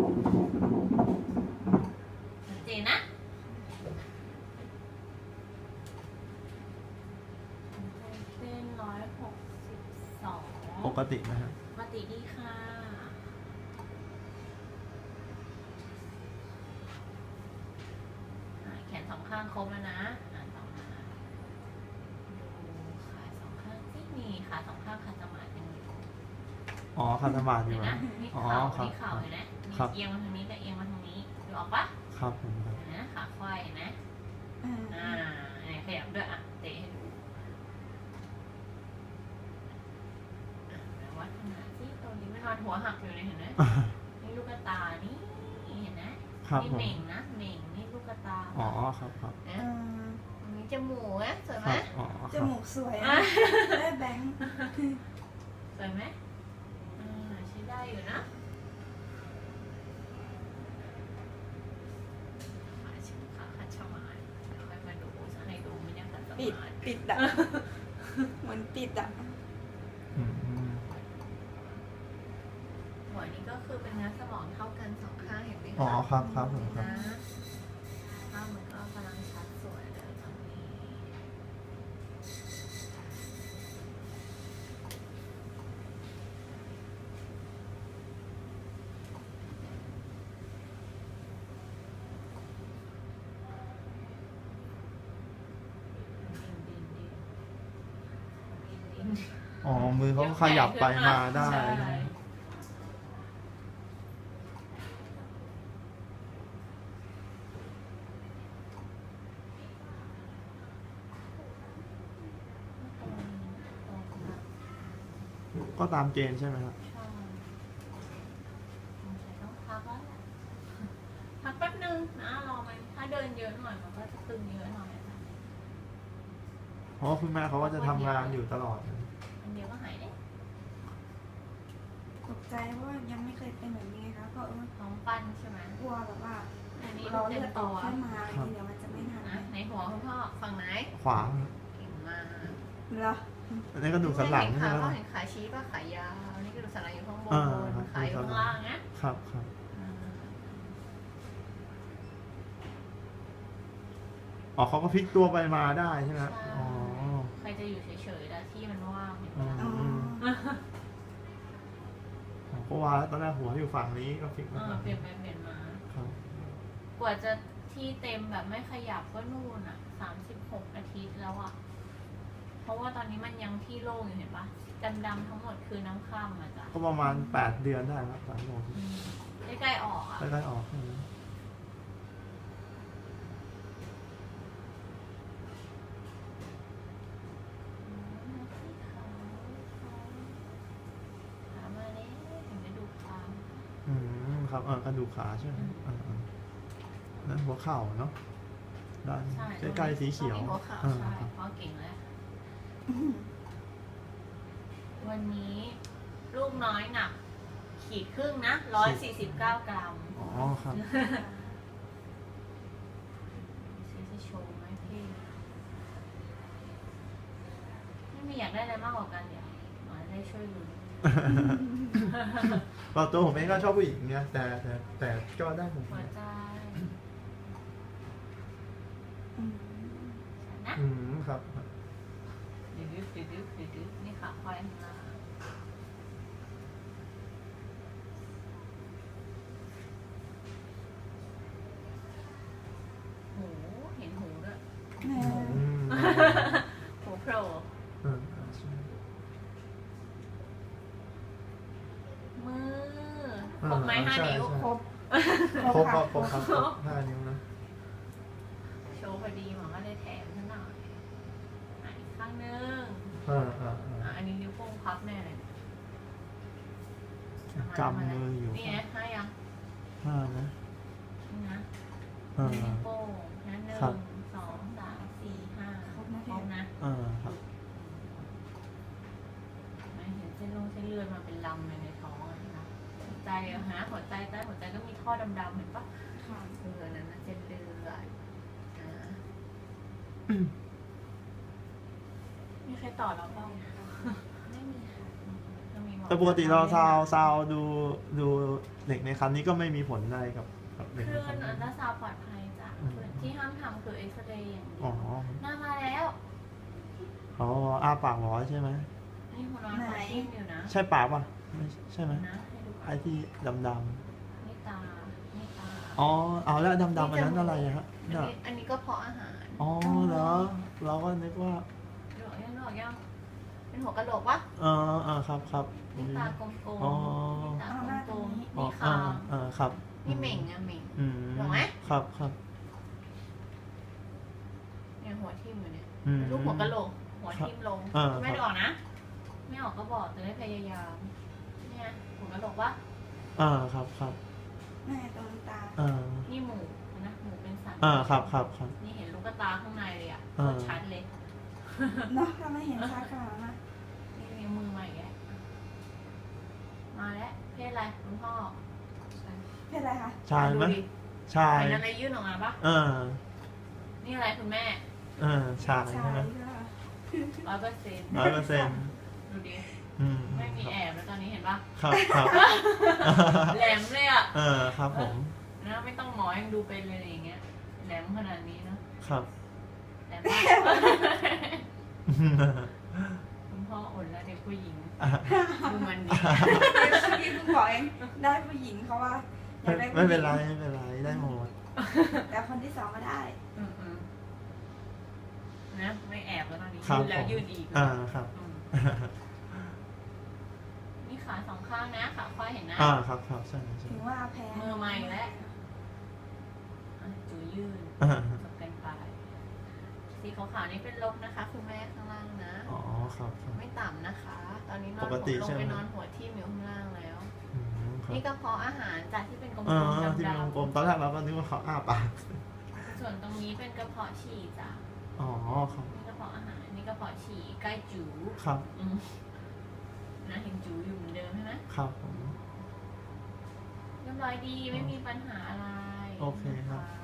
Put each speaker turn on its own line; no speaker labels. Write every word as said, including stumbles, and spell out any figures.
ชัดเจนนะเป็นร้อยหกสิบสอง
ปกตินะฮะ
ปกติดีค่ะแขนสองข้างครบแล้วนะอ่านต่อมาดูขาสองข้างที่มีขาสองข้างขาสมาธิยังอยู่
อ๋อคาสมาธิอยู่
เห็น
นะ
นะนี่
อ๋อ
เข่า
ครับ
นี่เข่าเห็นไหมมีเอียงมาทางนี้กับเอียงมาทางนี้ดูออกปะ
ครับผมครับ
เห็นนะขาควายเห็นนะ
อ่า
อ่าเนี่ยขยับด้วยอ่ะเตะให้ดูอ่ะแล้ววัดขนาดที่ตรงนี้มันนอนหัวหักอยู่เลยเห็นไหมนี่ลูกตานี่เห็นนะครับ นี่
ผม
เหม่งนะเหม่งนี่ลูกตา
อ๋อครับครับ
นะ
อ่า
มีจมูกนะสวย
ค
ไหม
รับอ๋อค
จ
รับ
มูกสวยอะได้แบงค์
สวยไหมอ่าใช้ได้อยู่นะขาชิขาขัดชะมานเดี๋ยวค่อยมาดูจะให้ดูมันยังขัดส
ปิด
มาน
ปิดอะเหมือนปิดอะ
อืม
หัวนี้ก็คือเป็นเนื้อสมองเท่ากันสองข้างเห็นไหมคะ
อ๋อครับครับผมครับ
นะภาพมันก็กำลังชัดสวยเลยตอนนี้ดินดินดินดินดิน
อ๋อมือเขาขยับไปมาได้
ใช่
ก็ตามเกณฑ์ใช่ไหมครับ
ใช่ต้องพักแล้วแหละพักแป๊บนึงนะรอมันถ้าเดินเยอะหน่อยมันก็จะตึงเยอะหน่อยนะ
เพราะว่าคุณแม่เขาก็จะทำงานอยู่ตลอด
อันเดียวก็หายได้
ตกใจเพราะว่ายังไม่เคยเป็นแบบนี้ไงคะก็เออ
ท้องปั้นใช่ไหม
กลัวแบบว่า
อันนี้
เรา
เต็
เลื
ม
อดอ
ตั
อก
ว
ขึ้นมาทีเดียวมันจะไม่ทัน
นะในหัวคุณพ่อฝั่งไหน
ขวา
เก่งมาก
เหรอ
อันนี้ก็ดูสันหลัง
เห็น
ใช่
ขา
ไหม
ก็เห็นขาชี้ป่ะขายาวนี่ก็ดูสันหลังอยู่ข้างบน
อ่าครับ
ขาอยู่ข้างล่างนะครับ
ครับ
อ่า
อ๋อเขาก็พลิกตัวไปมาได้ใช่ไหมครับอ๋อ
ใครจะอยู่เฉยๆแล้วที่มันว่างเห็นไหม
อืม
อ๋อ
ผมก็ว่าตอนแรกหัวอยู่ฝั่งนี้ก็พลิก
เอ
มา
อ
ฝั่ง
เปลี่
นี้
ยนไปเปลี่ยนมา
ครับ
กว่าจะที่เต็มแบบไม่ขยับก็นู่นอ่ะสามสิบหกอาทิตย์แล้วอ่ะเพราะว่าตอนนี้มันยังที่โล่งอยู่เห็นปะดำๆทั้งหมดคือน้ำข้ามมาจ้ะ
ก็ประมาณแปดเดือนได้ครับสามโมง
อืมใกล้ๆออกอ่ะ
ใกล้ๆออกอืม
ขามาเลยถึงจะดูขา
อืมครับเออกระดูกขาใช่ไหมอ่าอ่าแล้วหัวเข่าเนาะด้าน
ใช่
ใกล้ๆสีเขียว
ตรงนี้หัวเข่า
อ่า
ใช่
ครับ
เพราะเก่งแล้ว วันนี้ลูกน้อยหนัก ขีดครึ่งนะร้อยสี่สิบเก้ากรัม
อ๋อครับ
ซีจะโชว์ไหมพี่ไม่มีอยากได้อะไรมากกว่ากันเดี๋ยวหมอได้ช่วยลุ้น
ก็ตัวผมเองก็ชอบผู้หญิงเนี่ยแต่แต่แต่ก็ได้ผม
หัวใจ
อืม
นะ
อืมครับ
ดื้อดื้อดื้อดื้อดื้อนี่ขาควายข้างล่างหูเห็นหูด้วย
แม่
อืม
หูโผล่
เออใช่
มือครบไหมห้านิ้ว
ครบ
ครบครบครบ
ค
ค
ร
รั
บบ
ห้านิ้วนะ
โชว์พอดีหมอก็เลยแถมซะหน่อยอ่ะอีกข้างนึง
อ่าอ่า
อ่ะ
อ่า
อันนี้นิ้วโป้งพับแน่เลย
กำมืออยู่
นี่ไงห้ายัง
ห้านะ
นี่นะ
อ่า
นิ้วโป้งนะหนึ่ง
ครับ
สองสามสี่ห้า
ครบนะ
ครบนะ
อ่าครับ
ไม่เห็นเส้นลงเส้นเลือดมาเป็นลำเลยในท้องอะนะหัวใจอะฮะหัวใจใต้หัวใจก็มีท่อดำๆเห็นปะ
ค่ะ
เออนั่นนะเส้นเลือดอ่ามีใครต่อเราบ้าง
ไม่มีค่ะ
ก็มีหมอ
แต่ปกติเราซาวซาวดูดูเด็กในครรภ์นี้ก็ไม่มีผลอะไรกับกับเด็ก
คื
ใน
อ
ครรภ์
อันตราซาวด์ปลอดภัยจ้ะ
อืม
ที่ห้ามทำคือเอ็กซเรย์อย่างเดี
อ๋
ย
อ
วหน้ามาแล้ว
อ๋ออ้าปากร้อยใช่ไหม
นี่หัวนอนหัวทิ่มอยู่นะ
ใช่ปากป่ะไม่ใช่ไหม
นะให้ดูก่อ
ไอ้
น
ที่ดำด
นี่ตา นี่ตา
ำอ๋อเอาแล้วดำดำอันนั้นอะไรอะฮะ
อัน
เนี่ย
นี้อันนี้ก็เพาะอาหาร
อ๋อเหรอเราก็นึกว่า
หนวกยังหนวกยังเป็นหัวกะโหลกวะ
เออเออครับครับ
นี่ตากลมๆ
อ๋อ
นี่ตากลมๆ
อ๋อ
นี่
อ่า
คาง
อ่าครับ
นี่เหม่งอะเหม่ง
อืม
ถูกไหม
ครับครับ
เนี่ยหัวทิ่มอยู่เนี่ย
อืม
ลูกหัวกะโหลก หัวทิ่มลง
เออ
ไม่ได้ออกนะ ไม่ออกก็บอกแต่ได้พยายาม เนี่ยหัวกะโหลกวะ
อ่าครับครับ
แม่ตรงตา
อ่า
นี่หมูนะหมูเป็นสัน
อ่าครับครับครับ
นี่เห็นลูกตาข้างในเลยอ่ะ
เออ
ชัดเลย
เนาะถ้าไม่เห็นชัดขนาดนั้น
นี่มีมือมาอีกแล้วมาแล้ว เพศอะไรคุณพ่อ
เพศอะไรคะ
ชายไหม
ดูดิ
ชาย
เห็นอะไรยื่นออกมาปะ
เออ
นี่อะไรคุณแม่
เออชาย
ชา
ใช่
ย
ไหม
ค่ะ
ร้อยเปอร์เซ็นต์
ร้อยเปอร์เซ็นต์
ดูดิ
อืม
ไม่มีแอบแล้วตอนนี้เห็นปะ
ครับครับ
แหลมเลยอ่ะ
เออครับผม
นะไม่ต้องหมอยังดูเป็นเลยอย่างเงี้ย แหลมขนาดนี้เนอะ
ครับ
แหลมมากคุณพ่ออดแล้วเด็กผู้หญิง ดูมันดี
พี่เพิ่งบอกเองได้ผู้หญิงเขาว่าอยากได้ผู้หญิง
ไม่เป็นไรไม่เป็นไรได้หมด
แต่คนที่สองก็ได้
อืมอืมนะไม่แอบแล้วตอนนี้
ครับ
ยืนแล้ว
ผม
ยืนอีก
อ่าครับ
อืมนี่ขาสองข้างนะขาควายเห็นนะ
อ่าครับครับใช่ใช่
ถึงว่าแพ้
มือใหม่แล้ว อ่ะจูยืน
อ่า
จบกันไปสีขาวๆนี่เป็นลบนะคะคุณแม่ข้างล่างนะ
อ๋อครับครับ
ไม่ต่ำนะคะ ตอนนี้นอน
ปกติ
หัวล
ใช่
ง
ไหม
ไปนอนหัวทิ่มอยู่ข้างล่างแล้ว
อืมครับ
นี่กระเพาะอาหารจากที่เป็นกลม
เออ
ๆ
ที่
ด
เป็นกลมๆตอนแรกเราก็นึกว่าเขาอ้าปาก
ำๆส่วนตรงนี้เป็นกระเพาะฉี่จ้ะ
อ๋อครับ
นี่กระเพาะอาหารนี่กระเพาะฉี่ใกล้จู
ครับ
อืมนะเห็นจูอยู่เหมือนเดิมใช่ไหม
ครับผม
เรียบร้อยดีไม่มีปัญหาอะไร
โอเคครับ
นะะ